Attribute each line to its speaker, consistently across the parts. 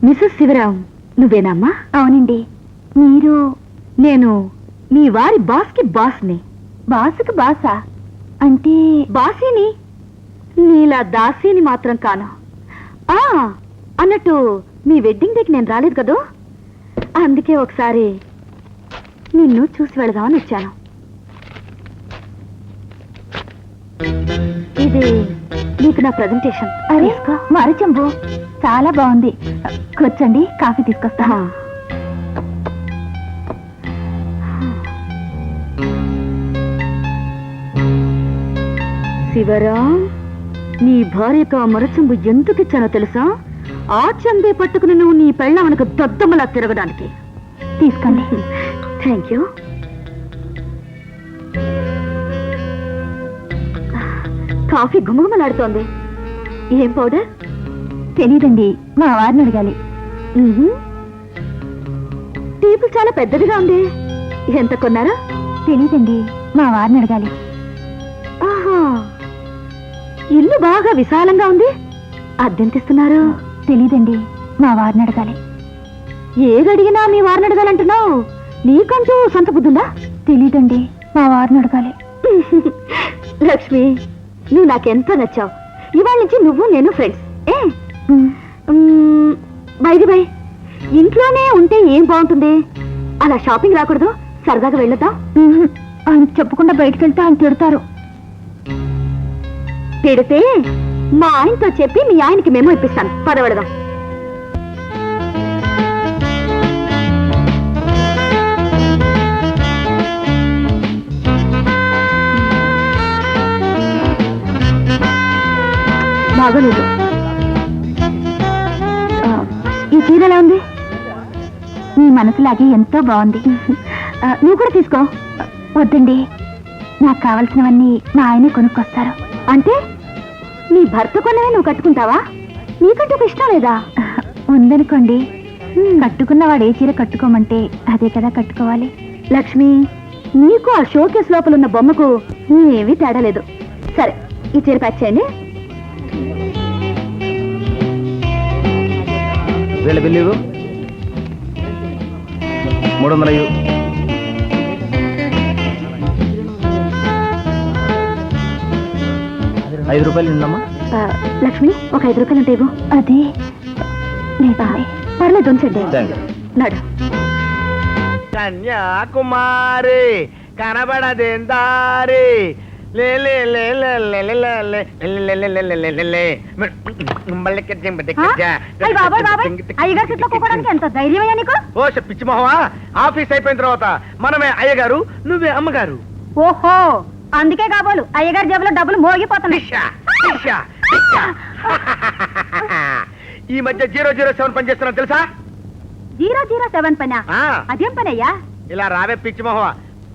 Speaker 1: Mrs Sivaram నువ్వేనమ్మా?
Speaker 2: అవునండి. మీరు?
Speaker 1: నేను మీ వారి బాస్కి బాస్ని.
Speaker 2: బాసుకి బాసా అంటే?
Speaker 1: బాసీని, నీలా దాసీని మాత్రం కాను. అన్నట్టు మీ వెడ్డింగ్ డేకి నేను రాలేదు కదూ, అందుకే ఒకసారి నిన్ను చూసి వెళదామని వచ్చాను. ఇది నీకు నా ప్రజెంటేషన్.
Speaker 2: అరే మరి చెంబు చాలా బాగుంది. కూర్చోండి, కాఫీ తీసుకొస్తా.
Speaker 1: శివరాం, నీ భార్యకు ఆ మరచెంబు ఎందుకు ఇచ్చానో తెలుసా? ఆ చెంబే పట్టుకుని నువ్వు నీ పెళ్ళామనకు దద్దమ్మలా తిరగడానికి.
Speaker 2: తీసుకోండి.
Speaker 1: Thank you. కాఫీ గుమగుమలాడుతోంది. ఏం పౌడర్?
Speaker 2: తెలీదండి, మా వారిని అడగాలి.
Speaker 1: టేబుల్ చాలా పెద్దదిగా ఉంది. ఎంత కొన్నారా?
Speaker 2: తెలీదండి, మా వారిని అడగాలి.
Speaker 1: ఆహా, ఇల్లు బాగా విశాలంగా ఉంది. అద్దెంతిస్తున్నారు?
Speaker 2: తెలీదండి, మా వారిని అడగాలి.
Speaker 1: ఏదడిగినా మీ వారిని అడగాలంటున్నావు. నీకంటూ సొంత బుద్ధుందా?
Speaker 2: తెలీదండి, మా వారిని అడగాలి.
Speaker 1: లక్ష్మి, నువ్వు నాకెంతో నచ్చావు. ఇవాళ నుంచి నువ్వు నేను ఫ్రెండ్స్. బైది బై, ఇంట్లోనే ఉంటే ఏం బాగుంటుంది? అలా షాపింగ్ రాకూడదు? సరదాగా వెళ్ళొద్దాం.
Speaker 2: ఆయన చెప్పకుండా బయటకు వెళ్తే ఆయన తిడతారు.
Speaker 1: తిడితే మా ఆయనతో చెప్పి మీ ఆయనకి మెమో ఇప్పిస్తాను. పదవడదాం. బాగోలేదు.
Speaker 2: ఈ చీర ఎలా ఉంది? మీ మనసులాగే ఎంతో బాగుంది.
Speaker 1: నువ్వు కూడా తీసుకో.
Speaker 2: వద్దండి, నాకు కావలసినవన్నీ మా ఆయనే కొనుక్కొస్తారు.
Speaker 1: అంటే నీ భర్త కొన్నవే నువ్వు కట్టుకుంటావా? నీకంటూ ఇష్టం లేదా?
Speaker 2: ఉందనుకోండి, కట్టుకున్నవాడు ఏ చీర కట్టుకోమంటే అదే కదా కట్టుకోవాలి.
Speaker 1: లక్ష్మి, నీకు ఆ షోకేస్ లోపల ఉన్న బొమ్మకు ఏమీ తేడా లేదు. సరే, ఈ చీర ప్యాక్ చేయండి.
Speaker 3: వీళ్ళ బిల్లు 300. ₹5 నిందమ్మా.
Speaker 1: లక్ష్మి, ఒక ₹5 ఉంటే ఇవ్వు.
Speaker 2: అదే లేదా?
Speaker 1: పర్లేదు, ఉంచండి. నడు.
Speaker 3: కన్యాకుమారి కనబడదేందారి
Speaker 1: ఎంత ధైర్యమయ్యా నీకు?
Speaker 3: ఓ పిచ్చి మొహమా, ఆఫీస్ అయిపోయిన తర్వాత మనమే అయ్యగారు, నువ్వే అమ్మగారు.
Speaker 1: ఓహో, అందుకే కాబోలు అయ్యగారి జేబులో డబ్బులు మోగిపోతున్నాయి.
Speaker 3: ఈ మధ్య 007 పని చేస్తున్నా తెలుసా?
Speaker 1: 007 పనా? అదేం పనయ్యా?
Speaker 3: ఇలా రావే పిచ్చి మొహమా.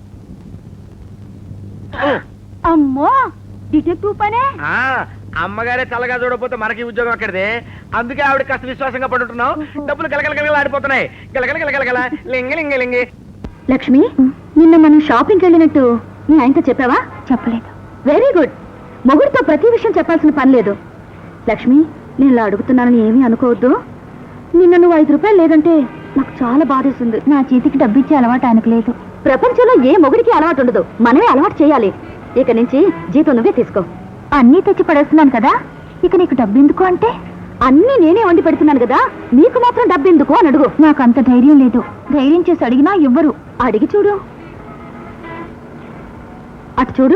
Speaker 1: అమ్మో, డిటెక్టివ్ పనే?
Speaker 3: అమ్మగారే చల్లగా చూడకపోతే మనకి ఉద్యోగం అక్కడిదే. అందుకే ఆవిడ కాస్త విశ్వాసంగా పడుతున్నావు. డబ్బులు గలగలగల ఆడిపోతున్నాయి. గలగలగలగల లింగి లింగి లింగి.
Speaker 1: లక్ష్మి, నిన్న మనం షాపింగ్కి వెళ్ళినట్టు నీ ఆయనతో చెప్పావా?
Speaker 2: చెప్పలేదు.
Speaker 1: Very good. మొగుడితో ప్రతి విషయం చెప్పాల్సిన పని లేదు. లక్ష్మి, నేను ఇలా అడుగుతున్నానని ఏమీ అనుకోవద్దు. నిన్న నువ్వు ₹5 లేదంటే నాకు చాలా బాధేస్తుంది.
Speaker 2: నా చేతికి డబ్బు ఇచ్చే అలవాటు ఆయనకు లేదు.
Speaker 1: ప్రపంచంలో ఏ మొగుడికి అలవాటు ఉండదు, మనమే అలవాటు చేయాలి. ఇక నుంచి జీతం నువ్వే తీసుకో.
Speaker 2: అన్నీ తెచ్చి పడేస్తున్నాను కదా, ఇక నీకు డబ్బు ఎందుకు అంటే?
Speaker 1: అన్నీ నేనే వండి పెడుతున్నాను కదా, నీకు మాత్రం డబ్బు ఎందుకు అని అడుగు.
Speaker 2: నాకు అంత ధైర్యం లేదు. ధైర్యం చేసి అడిగినా ఇవ్వరు.
Speaker 1: అడిగి చూడు. అటు చూడు.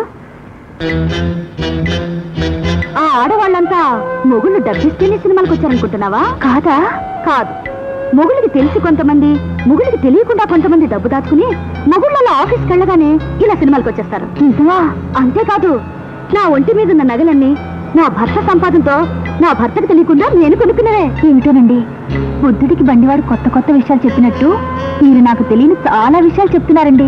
Speaker 1: ఆ ఆడవాళ్ళంతా మొగుళ్ళు డబ్బిస్తేనే సినిమాలకు వచ్చారనుకుంటున్నావా?
Speaker 2: కాదా?
Speaker 1: కాదు. మొగుళ్ళకి తెలిసి కొంతమంది, మొగుళ్ళకి తెలియకుండా కొంతమంది డబ్బు దాచుకుని మొగుళ్ళ ఆఫీస్కి వెళ్ళగానే ఇలా సినిమాలకు వచ్చేస్తారు.
Speaker 2: నిజమా?
Speaker 1: అంతేకాదు, నా ఒంటి మీద ఉన్న నగలన్నీ నా భర్త సంపాదనతో నా భర్తకు తెలియకుండా నేను కొనుక్కున్నవే.
Speaker 2: ఏమిటోనండి, బుద్ధుడికి బండివాడు కొత్త కొత్త విషయాలు చెప్పినట్టు మీరు నాకు తెలియని చాలా విషయాలు చెప్తున్నారండి.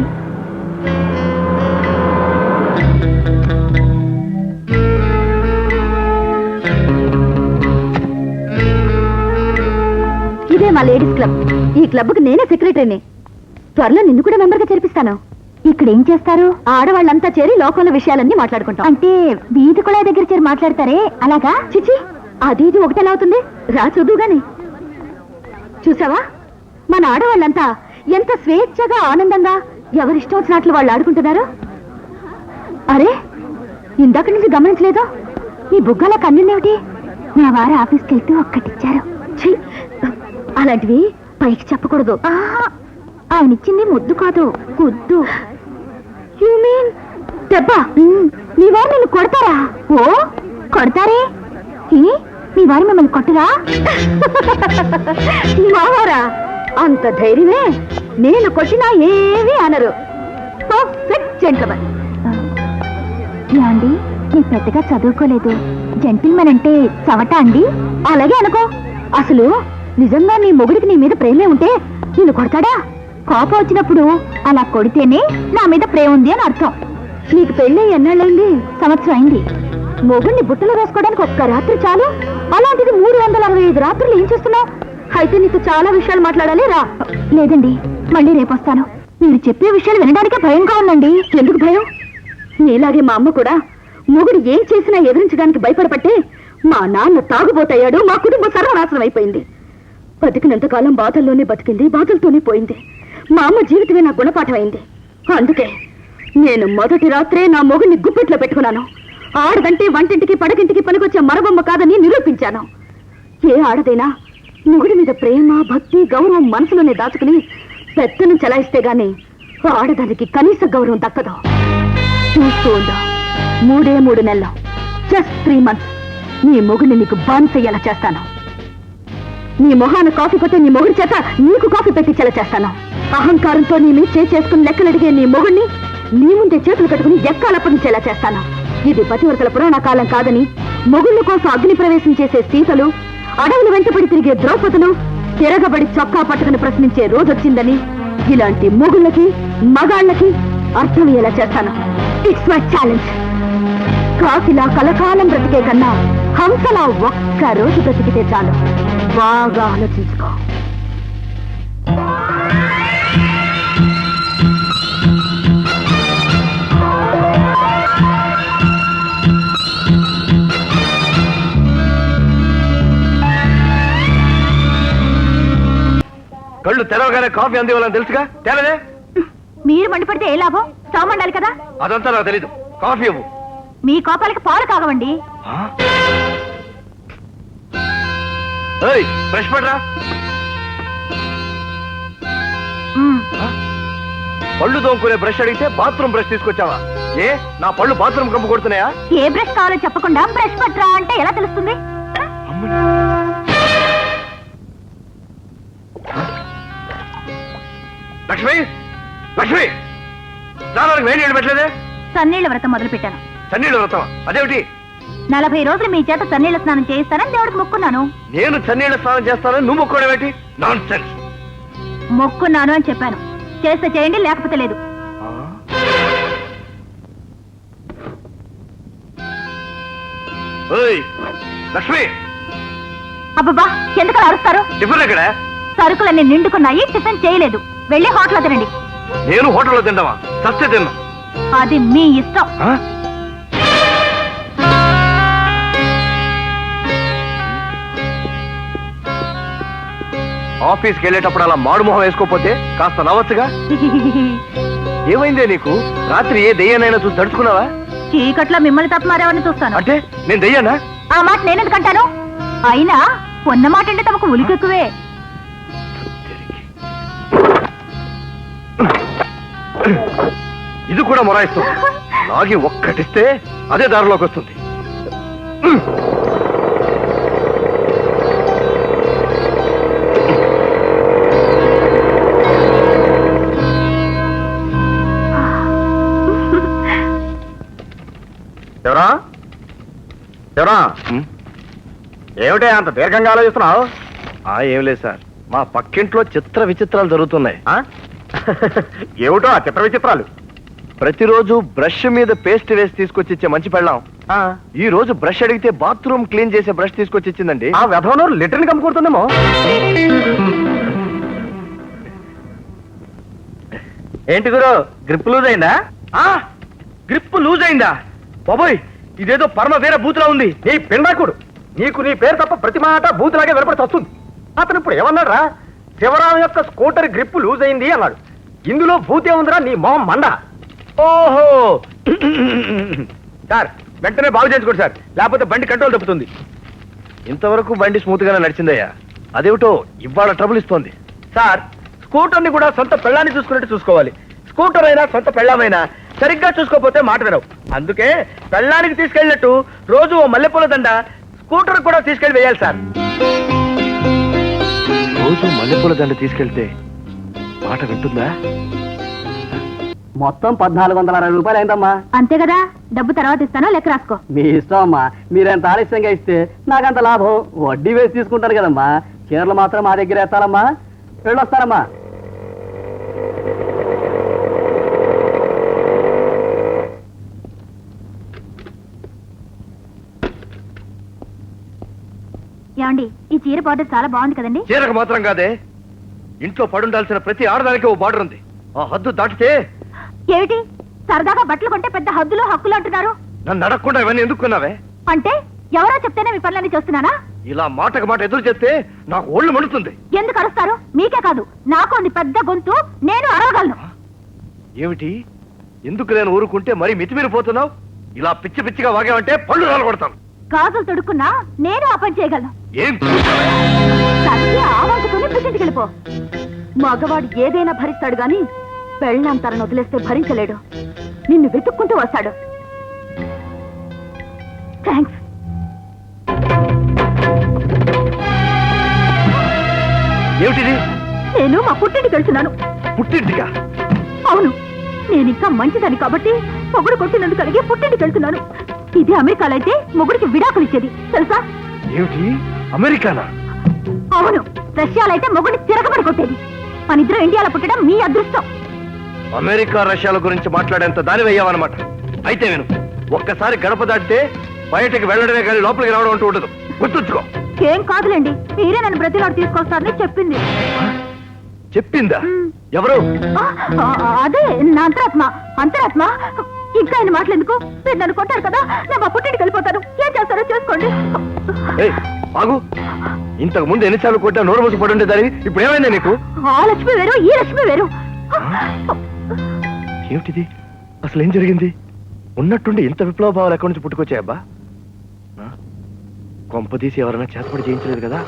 Speaker 1: ఇదే మా లేడీస్ క్లబ్. ఈ క్లబ్కి నేనే సెక్రటరీని. త్వరలో నిన్ను కూడా మెంబర్గా చేర్పిస్తాను.
Speaker 2: ఇక్కడ ఏం చేస్తారు?
Speaker 1: ఆడవాళ్ళంతా చేరి లోకంలో విషయాలన్నీ మాట్లాడుకుంటాం.
Speaker 2: అంటే వీధి కూడా దగ్గర చేరి మాట్లాడతారే, అలాగా?
Speaker 1: చిచి, అది ఇది ఒకటెలా అవుతుంది? రా చూద్దు గాని. చూసావా మన ఆడవాళ్ళంతా ఎంత స్వేచ్ఛగా ఆనందంగా ఎవరిష్టం వచ్చినట్లు వాళ్ళు ఆడుకుంటున్నారు. అరే ఇందాక నుంచి గమనించలేదు, ఈ బుగ్గల కన్నులేమిటి?
Speaker 2: మా వారు ఆఫీస్కి వెళ్తూ ఒక్కటిచ్చారు.
Speaker 1: ఛీ, అలాంటివి పైకి చెప్పకూడదు.
Speaker 2: ఆయన ఇచ్చింది ముద్దు కాదు, గుద్దు.
Speaker 1: యు మీన్ దెబ్బ?
Speaker 2: మీ వారు నిన్ను కొడతారా? ఓ కొడతారే. మీ వారు మిమ్మల్ని కొట్టరా?
Speaker 1: మావారా? అంత ధైర్యమే. నేను కొట్టినా ఏమీ అనరు. Perfect gentleman.
Speaker 2: అండి నేను పెద్దగా చదువుకోలేదు, జెంటిల్మెన్ అంటే చవట అండి?
Speaker 1: అలాగే అనుకో. అసలు నిజంగా నీ మొగుడికి నీ మీద ప్రేమే ఉంటే నిన్ను కొడతాడా?
Speaker 2: కోపం వచ్చినప్పుడు అలా కొడితేనే నా మీద ప్రేమ ఉంది అని అర్థం.
Speaker 1: నీకు పెళ్ళి ఎన్నాళ్ళైంది?
Speaker 2: సంవత్సరం అయింది.
Speaker 1: మొగుడిని బుట్టలు వేసుకోవడానికి ఒక్క రాత్రి చాలు, అలాంటిది 365 రాత్రులు ఏం చేస్తున్నావు? అయితే నీకు చాలా విషయాలు మాట్లాడాలి, రా.
Speaker 2: లేదండి, మళ్ళీ రేపు వస్తాను. మీరు చెప్పే విషయాలు వినడానికే భయంగా ఉందండి.
Speaker 1: ఎందుకు భయం? నీలాగే మా అమ్మ కూడా మొగుడు ఏం చేసినా ఎదిరించడానికి భయపడబట్టే మా నాన్న తాగుబోతయ్యాడు, మా కుటుంబం సర్వనాశనం అయిపోయింది. బతికినంతకాలం బాధల్లోనే బతికింది, బాధలతోనే పోయింది. మా అమ్మ జీవితమే నా గుణపాఠం అయింది. అందుకే నేను మొదటి రాత్రే నా మొగుడిని గుప్పెట్లో పెట్టుకున్నాను. ఆడదంటే వంటింటికి పడకింటికి పనికొచ్చే మరబొమ్మ కాదని నిరూపించాను. ఏ ఆడదైనా మొగుడి మీద ప్రేమ, భక్తి, గౌరవం మనసులోనే దాచుకుని పెద్దను చలాయిస్తే గాని ఆడదానికి కనీస గౌరవం దక్కదు. చూస్తూ ఉందా, 3 నెలలు, జస్ట్ 3 months నీ మొగుడిని నీకు బానిసయ్యేలా చేస్తాను. నీ మొహాన కాఫీ కొట్టే నీ మొగుడి చేత నీకు కాఫీ పెట్టించేలా చేస్తాను. అహంకారంతో నీ మీద చేసుకుని లెక్కలడిగే నీ మొగుడిని నీ ముందే చేతులు కట్టుకుని ఎక్కాలప్పగించేలా చేస్తాను. ఇది పతివ్రతల పురాణ కాలం కాదని మొగుళ్ళ కోసం అగ్ని ప్రవేశం చేసే సీతలు, అడవులు వెంటపడి తిరిగే ద్రౌపదులు, తిరగబడి చొక్కా పట్టుకుని ప్రశ్నించే రోజొచ్చిందని ఇలాంటి మొగుళ్ళకి, మగాళ్ళకి అర్థమయ్యేలా చేస్తాను. It's my challenge. కాకిలా కలకాలం బ్రతికే కన్నా హంసలా ఒక్క రోజు బ్రతికితే చాలు. బాగా ఆలోచించుకో.
Speaker 3: కళ్ళు తెరవగానే కాఫీ అందివ్వాలని తెలుసుగా, తేలదే.
Speaker 2: మీరు మండిపడితే ఏ లాభం? స్టవ్ మండాలి కదా.
Speaker 3: అదంతా నాకు తెలీదు. కాఫీ ఇవ్వు.
Speaker 2: మీ కోపాలకి పాలు కాగవండి.
Speaker 3: బ్రష్ పడరా. పళ్ళు తోముకునే బ్రష్ అడిగితే బాత్రూమ్ బ్రష్ తీసుకొచ్చావా? ఏ నా పళ్ళు బాత్రూమ్ కంపు కొడుతున్నాయా?
Speaker 2: ఏ బ్రష్ కావాలో చెప్పకుండా బ్రష్ పట్టరా అంటే ఎలా తెలుస్తుంది?
Speaker 3: లక్ష్మి, లక్ష్మి, స్నానానికి వేడి నీళ్ళు పెట్టలేదే?
Speaker 2: సన్నీళ్ల వ్రతం మొదలు పెట్టాను.
Speaker 3: చన్నీళ్ళు వ్రతం? అదేమిటి?
Speaker 2: 40 రోజులు మీ చేత సన్నీళ్ల స్నానం చేయిస్తానని దేవుడికి మొక్కున్నాను.
Speaker 3: నేను చన్నీళ్ళ స్నానం చేస్తానని నువ్వు మొక్కడం ఏంటి? Non sense.
Speaker 2: మొక్కున్నాను అని చెప్పాను. చేస్తే చేయండి, లేకపోతే లేదు.
Speaker 3: లక్ష్మి,
Speaker 2: అబ్బబ్బా, ఎందుకు అరుస్తారు?
Speaker 3: టిఫిన్ ఎక్కడ?
Speaker 2: సరుకులన్నీ నిండుకున్నాయి, టిఫిన్ చేయలేదు. వెళ్ళి హోటల్లో తినండి.
Speaker 3: నేను హోటల్లో తింటావా? సస్తే తిన్నా.
Speaker 2: అది మీ ఇష్టం.
Speaker 3: ఆఫీస్కి వెళ్ళేటప్పుడు అలా మాడుమొహం వేసుకోపోతే కాస్త నవ్వచ్చుగా. ఏమైందే నీకు? రాత్రి ఏ దెయ్యానైనా చూసి తడుచుకున్నావా?
Speaker 2: చీకట్లో మిమ్మల్ని తప్ప మరెవరిని చూస్తాను.
Speaker 3: అంటే నేను దెయ్యానా?
Speaker 2: ఆ మాట నేనెందుకంటాను? అయినా ఉన్న మాట అంటే తమకు ఉలికెక్కువే.
Speaker 3: ఇది కూడా మొరాయిస్తుంది. లాగి ఒక్కటిస్తే అదే దారిలోకి వస్తుంది.
Speaker 4: ఎవరా ఎవరా? ఏమిటే అంత దీర్ఘంగా ఆలోచిస్తున్నావు?
Speaker 3: ఏం లేదు సార్, మా పక్కింట్లో చిత్ర విచిత్రాలు జరుగుతున్నాయి.
Speaker 4: ఏమిటో ఆ చిత్ర విచిత్రాలు?
Speaker 3: ప్రతిరోజు బ్రష్ మీద పేస్ట్ వేసి తీసుకొచ్చి ఇచ్చే మంచి పెళ్ళాం ఈ రోజు బ్రష్ అడిగితే బాత్రూమ్ క్లీన్ చేసే బ్రష్ తీసుకొచ్చి ఇచ్చిందండి.
Speaker 4: ఆ వ్యధవను లిటర్ని కమ్ముకుంటుందేమో.
Speaker 3: ఏంటి గురు, గ్రిప్ లూజ్ అయిందా? గ్రిప్ లూజ్ అయిందా? బాబోయ్, ఇదేదో పరమ వేరే బూతులా ఉంది.
Speaker 4: నీ పిండాకుడు, నీకు నీ పేరు తప్ప ప్రతి మాట బూతులాగే వినపడి వస్తుంది. అతను ఇప్పుడు ఏమన్నాడు రా? శివరాం యొక్క స్కూటర్ గ్రిప్ లూజ్ అయింది అన్నాడు. ఇందులో భూతే ఉందిరా నీ మొహం మండ.
Speaker 3: ఓహో సార్ వెంటనే బాగు చేయించుకోండి సార్, లేకపోతే బండి కంట్రోల్ తప్పుతుంది. ఇంతవరకు బండి స్మూత్ గానే నడిచిందయ్యా, అదేమిటో ఇవాళ ట్రబుల్ ఇస్తోంది. సార్ స్కూటర్ని కూడా సొంత పెళ్ళాన్ని చూసుకున్నట్టు చూసుకోవాలి. స్కూటర్ అయినా సొంత పెళ్ళామైనా సరిగ్గా చూసుకోకపోతే మాట వినవు. అందుకే పెళ్ళానికి తీసుకెళ్ళినట్టు రోజు ఓ మల్లెపూల దండ స్కూటర్ కూడా తీసుకెళ్ళి వేయాలి సార్. రోజు మల్లెపూల దండ తీసుకెళ్తే మాట వింటుందా?
Speaker 5: మొత్తం 1460 రూపాయలు అయిందమ్మా.
Speaker 2: అంతే కదా, డబ్బు తర్వాత ఇస్తానో లెక్క రాసుకో.
Speaker 5: మీ ఇష్టం అమ్మా, మీరెంత ఆలస్యంగా ఇస్తే నాకంత లాభం. వడ్డీ వేసి తీసుకుంటారు కదమ్మా. చీరలు మాత్రం మా దగ్గర ఎత్తాలమ్మా. వెళ్ళొస్తానమ్మా.
Speaker 2: ఏమండి, ఈ చీర బార్డర్ చాలా బాగుంది కదండి.
Speaker 3: చీరకు మాత్రం కాదే, ఇంట్లో పడుండాల్సిన ప్రతి ఆడదానికి ఓ బార్డర్ ఉంది. ఆ హద్దు దాటితే
Speaker 2: ఏమిటి సరదాగా బట్టలు కొంటే పెద్ద హద్దులు హక్కులు అంటున్నారు?
Speaker 3: నన్ను అడగకుండా ఇవన్నీ ఎందుకున్నావే?
Speaker 2: అంటే ఎవరో చెప్తేనే మీ పనులన్నీ చేస్తున్నానా?
Speaker 3: ఇలా మాటకు మాట ఎదురు చెప్తే నాకు ఒళ్ళు మండుతుంది.
Speaker 2: ఎందుకు అరుస్తారు? మీకే కాదు నాకు ఉంది పెద్ద గొంతు, నేను అరవగలను.
Speaker 3: ఏమిటి, ఎందుకు నేను ఊరుకుంటే మరీ మితిమీరిపోతున్నావు? ఇలా పిచ్చి పిచ్చిగా వాగావంటే పళ్ళు రాలగొడతాను.
Speaker 2: గాజులు తొడుక్కున్నా నేను ఆ పని చేయగలను.
Speaker 3: ఏం
Speaker 2: సరిగ్గా ఆ వంకుతోనే పుట్టింటికి వెళ్ళిపో. మగవాడు ఏదైనా భరిస్తాడు గాని పెళ్ళాం తనను వదిలేస్తే భరించలేడు. నిన్ను వెతుక్కుంటూ వస్తాడు. థ్యాంక్స్.
Speaker 3: ఏమిటిది?
Speaker 2: నేను మా పుట్టింటికి వెళ్తున్నాను.
Speaker 3: పుట్టింటిగా?
Speaker 2: అవును, నేను ఇంకా మంచిదని కాబట్టి మొగుడు కొట్టినందుకు కలిగి పుట్టింటికి వెళ్తున్నాను. ఇది అమెరికాలో అయితే మొగుడికి విడాకులు ఇచ్చేది తెలుసా?
Speaker 3: ఏమిటి, అమెరికానా?
Speaker 2: అవును, రష్యాలో అయితే మొగుడిని తిరగబడి కొట్టేది. మన ఇద్దరు ఇండియాలో పుట్టడం మీ అదృష్టం.
Speaker 3: అమెరికా రష్యాల గురించి మాట్లాడేంత దాని వెయ్యావన్నమాట. అయితే విను, ఒక్కసారి గడప దాటితే బయటకు వెళ్ళడమే కానీ లోపలికి రావడం అంటూ ఉండదు. గుర్తుంచుకో.
Speaker 2: ఏం కాదులేండి, మీరే నన్ను బ్రతిలాడు తీసుకొస్తారని చెప్పింది.
Speaker 3: చెప్పిందా? ఎవరు?
Speaker 2: అదే నా అంతరాత్మ. ఇంకా ఆయన మాట్లాడేందుకు? మీరు నన్ను కొట్టారు కదా, నేను మా పుట్టింటికి వెళ్ళిపోతాను. ఏం చేస్తారో చేసుకోండి.
Speaker 3: బాగు, ఇంతకు ముందు ఎన్నిసార్లు కొట్టా నోరు మూసి పడి ఉండేదాన్ని, ఇప్పుడు ఏమైందా నీకు?
Speaker 2: ఆ లక్ష్మి వేరు, ఈ లక్ష్మి వేరు.
Speaker 3: ఏమిటిది? అసలు ఏం జరిగింది? ఉన్నట్టుండి ఇంత విప్లవ భావాలు ఎక్కడి నుంచి పుట్టుకొచ్చాయబ్బా? కొంప తీసి ఎవరైనా చేతపడి చేయించలేదు కదా?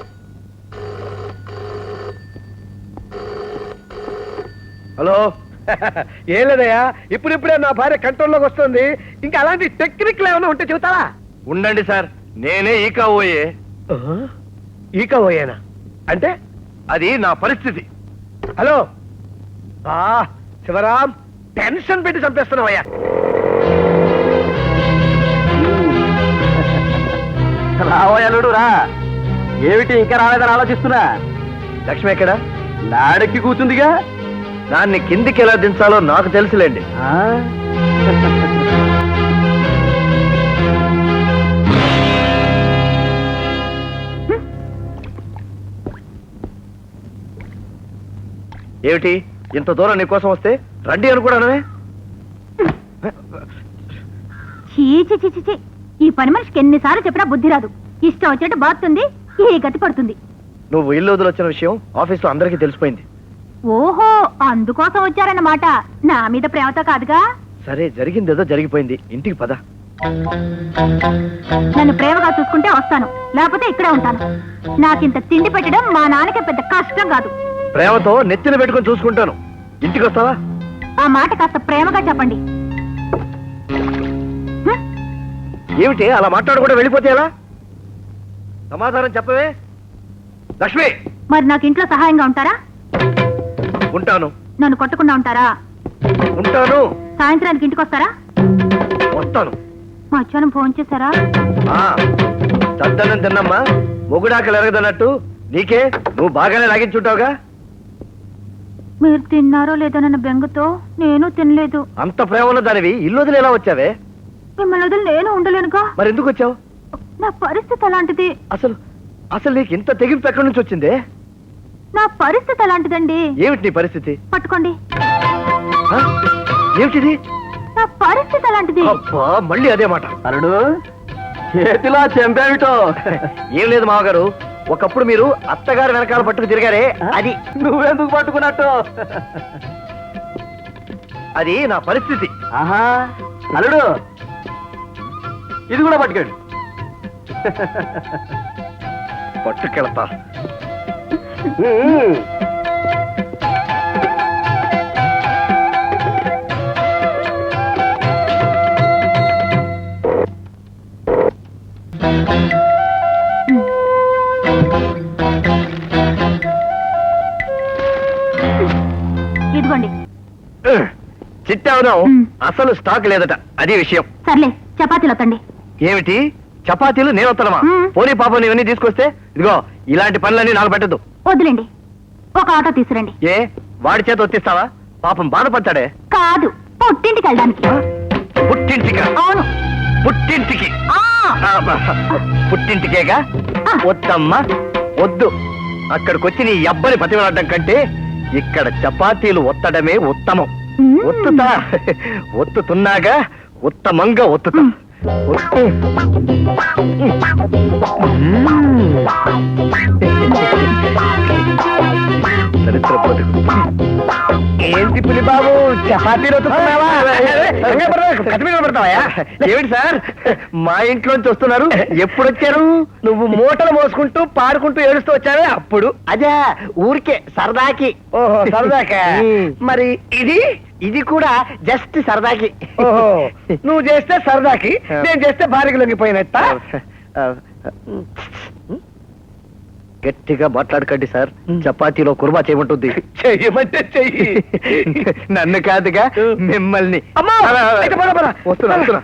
Speaker 3: హలో ఏం లేదయ్యా, ఇప్పుడిప్పుడే నా భార్య కంట్రోల్లోకి వస్తుంది. ఇంకా అలాంటి టెక్నిక్లు ఏమైనా ఉంటే చెబుతారా? ఉండండి సార్, నేనే ఈకావోయే. ఈకావోయేనా అంటే? అది నా పరిస్థితి. హలో శివరాం, టెన్షన్ పెట్టి చంపేస్తున్నావయ్యా.
Speaker 5: రావోయలుడు రా. ఏమిటి ఇంకా రాలేదని ఆలోచిస్తున్నా?
Speaker 3: లక్ష్మి ఎక్కడ?
Speaker 5: నాడెక్కి కూర్చుందిగా.
Speaker 3: దాన్ని కిందికి ఎలా దించాలో నాకు తెలుసులేండి. ఏమిటి, ఇంత దూరం నీకోసం వస్తే రండి అనుకోవడమే?
Speaker 2: చీ, ఈ పని మనిషికి ఎన్నిసార్లు చెప్పినా బుద్ధి రాదు. ఇష్టం వచ్చినట్టు బాగుతుంది, ఈ గతి పడుతుంది.
Speaker 3: నువ్వు ఇల్లు వదిలొచ్చిన విషయం ఆఫీస్లో అందరికీ తెలిసిపోయింది.
Speaker 2: ఓహో, అందుకోసం వచ్చారన్నమాట. నా మీద ప్రేమతో కాదుగా.
Speaker 3: సరే, జరిగిందేదో జరిగిపోయింది, ఇంటికి పద.
Speaker 2: నన్ను ప్రేమగా చూసుకుంటే వస్తాను, లేకపోతే ఇక్కడే ఉంటాను. నాకింత తిండి పెట్టడం మా నాన్నకి పెద్ద కష్టం కాదు.
Speaker 3: ప్రేమతో నెత్తిన పెట్టుకొని చూసుకుంటాను. ఇంటికి వస్తావా?
Speaker 2: ఆ మాట కాస్త ప్రేమగా చెప్పండి.
Speaker 3: ఏమిటి అలా మాట్లాడకుండా వెళ్ళిపోతే ఎలా? సమాధానం చెప్పవే లక్ష్మి.
Speaker 2: మరి నాకు ఇంట్లో సహాయంగా ఉంటారా?
Speaker 3: ఉంటాను.
Speaker 2: నన్ను కొట్టకుండా ఉంటారా?
Speaker 3: ఉంటాను.
Speaker 2: సాయంత్రానికి ఇంటికి వస్తారా?
Speaker 3: వస్తాను.
Speaker 2: మధ్యాహ్నం ఫోన్ చేశారా?
Speaker 3: చద్దనం తిన్నమ్మా, మొగుడాకలు ఎరగదన్నట్టు నీకే నువ్వు బాగానే లాగించుంటావుగా.
Speaker 2: మీరు తిన్నారో లేదో నన్న బెంగతో నేను తినలేదు.
Speaker 3: అంత ప్రేమ ఉన్న దానివి ఇల్లు వదిలి ఎలా వచ్చావే?
Speaker 2: మిమ్మల్ని వదిలి నేను ఉండలేనుగా.
Speaker 3: మరి ఎందుకు వచ్చావు?
Speaker 2: నా పరిస్థితి అలాంటిది.
Speaker 3: అసలు నీకు ఇంత తెగింపు ఎక్కడి నుంచి వచ్చిందే?
Speaker 2: నా పరిస్థితి అలాంటిదండి.
Speaker 3: ఏమిటి నీ పరిస్థితి?
Speaker 2: పట్టుకోండి.
Speaker 3: ఏమిటిది?
Speaker 2: నా పరిస్థితి అలాంటిది.
Speaker 3: అబ్బా, మళ్ళీ అదే మాట.
Speaker 5: అరుడు, చేతిలో చెంపేమిటో?
Speaker 3: ఏం లేదు మావగారు, ఒకప్పుడు మీరు అత్తగారు వెనకాల పట్టుకు తిరిగారే అది
Speaker 5: నువ్వెందుకు పట్టుకున్నట్టు?
Speaker 3: అది నా పరిస్థితి.
Speaker 5: ఆహా అల్లుడు ఇది కూడా పట్టుకోండి.
Speaker 3: పట్టుకెళతా.
Speaker 2: ఇదిగోండి.
Speaker 3: చిట్టావుదాం. అసలు స్టాక్ లేదట, అది విషయం.
Speaker 2: సర్లే చపాతీలు వత్తండి.
Speaker 3: ఏమిటి చపాతీలు నేను వస్తానమా?
Speaker 2: మ్.
Speaker 3: పోనీ పాపం ఇవన్నీ తీసుకొస్తే ఇదిగో ఇలాంటి పనులన్నీ నాకు పెట్టద్దు.
Speaker 2: వద్దులేండి, ఒక ఆటో తీసుకురండి.
Speaker 3: ఏ వాడి చేత వచ్చేస్తావా? పాపం బాధపడతాడే.
Speaker 2: కాదు, పుట్టింటికి వెళ్ళడానికి.
Speaker 3: పుట్టింటికి?
Speaker 2: అవును.
Speaker 3: పుట్టింటికి?
Speaker 2: ఆ,
Speaker 3: పుట్టింటికేగా?
Speaker 2: ఆ.
Speaker 3: వద్దమ్మా వద్దు. అక్కడికొచ్చి నీ అబ్బని బతిమలాడడం కంటే ఇక్కడ చపాతీలు ఒత్తడమే ఉత్తమం.
Speaker 2: మ్.
Speaker 3: ఒత్తుతా, ఒత్తుతున్నాగా, ఉత్తమంగా ఒత్తుతా. చరిత్ర బతుకు. ఏంటి పులి బాబు చపాతీలు ఒత్తుతున్నావా? ఏమిటి సార్ మా ఇంట్లోంచి వస్తున్నారు? ఎప్పుడు వచ్చారు? నువ్వు మూటలు మోసుకుంటూ పాడుకుంటూ ఏడుస్తూ వచ్చావే అప్పుడు? అదే ఊరికే సరదాకి. ఓహో సరదాకా? మరి ఇది ఇది కూడా జస్ట్ సరదాకి. ఓహో నువ్వు చేస్తే సరదాకి, నేను చేస్తే భార్యకు లొంగిపోయినట్ట. గట్టిగా మాట్లాడకండి సార్, చపాతీలో కుర్మా చేయమంటుంది. చెయ్యమంటే చెయ్యి. నన్ను కాదుగా మిమ్మల్ని. వస్తున్నా.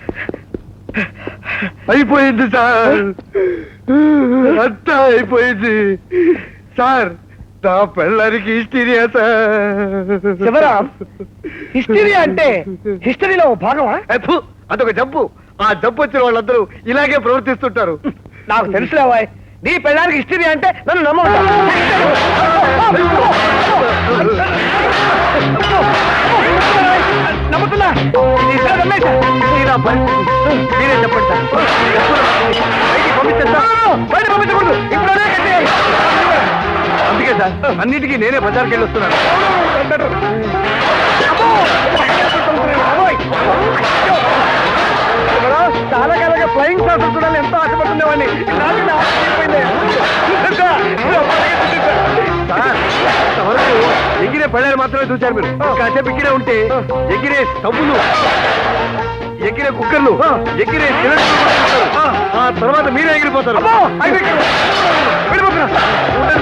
Speaker 3: అయిపోయింది సార్, అంతా అయిపోయింది సార్. నా పెళ్ళానికి హిస్టీరియా సార్. శివరాం, హిస్టీరియా అంటే హిస్టరీలో భాగమా? అదొక జబ్బు. ఆ జబ్బు వచ్చిన వాళ్ళందరూ ఇలాగే ప్రవర్తిస్తుంటారు. నాకు తెలుసులేవా, నీ పెళ్ళానికి హిస్టరీ అంటే నన్ను నమ్మవుతా. నమ్ముతున్నా. మీరే చెప్పండి సార్. బయట పంపించకూడదు, ఇప్పుడే కట్టేయాలి. అందుకే సార్ అన్నిటికీ నేనే బజార్కి వెళ్ళి వస్తున్నాను. చాలా కాలంగా ఫ్లయింగ్ సార్ చూడాలి ఎంతో ఆశపడుతుండేవాడిని. ఎగిరే పళ్ళారు మాత్రమే చూశారు మీరు. కాసేపు ఎగిరే ఉంటే ఎగిరే స్టవ్వులు, ఎగిరే కుక్కర్లు, ఎగిరే సిలిండర్లు, ఆ తర్వాత మీరే ఎగిరిపోతారు.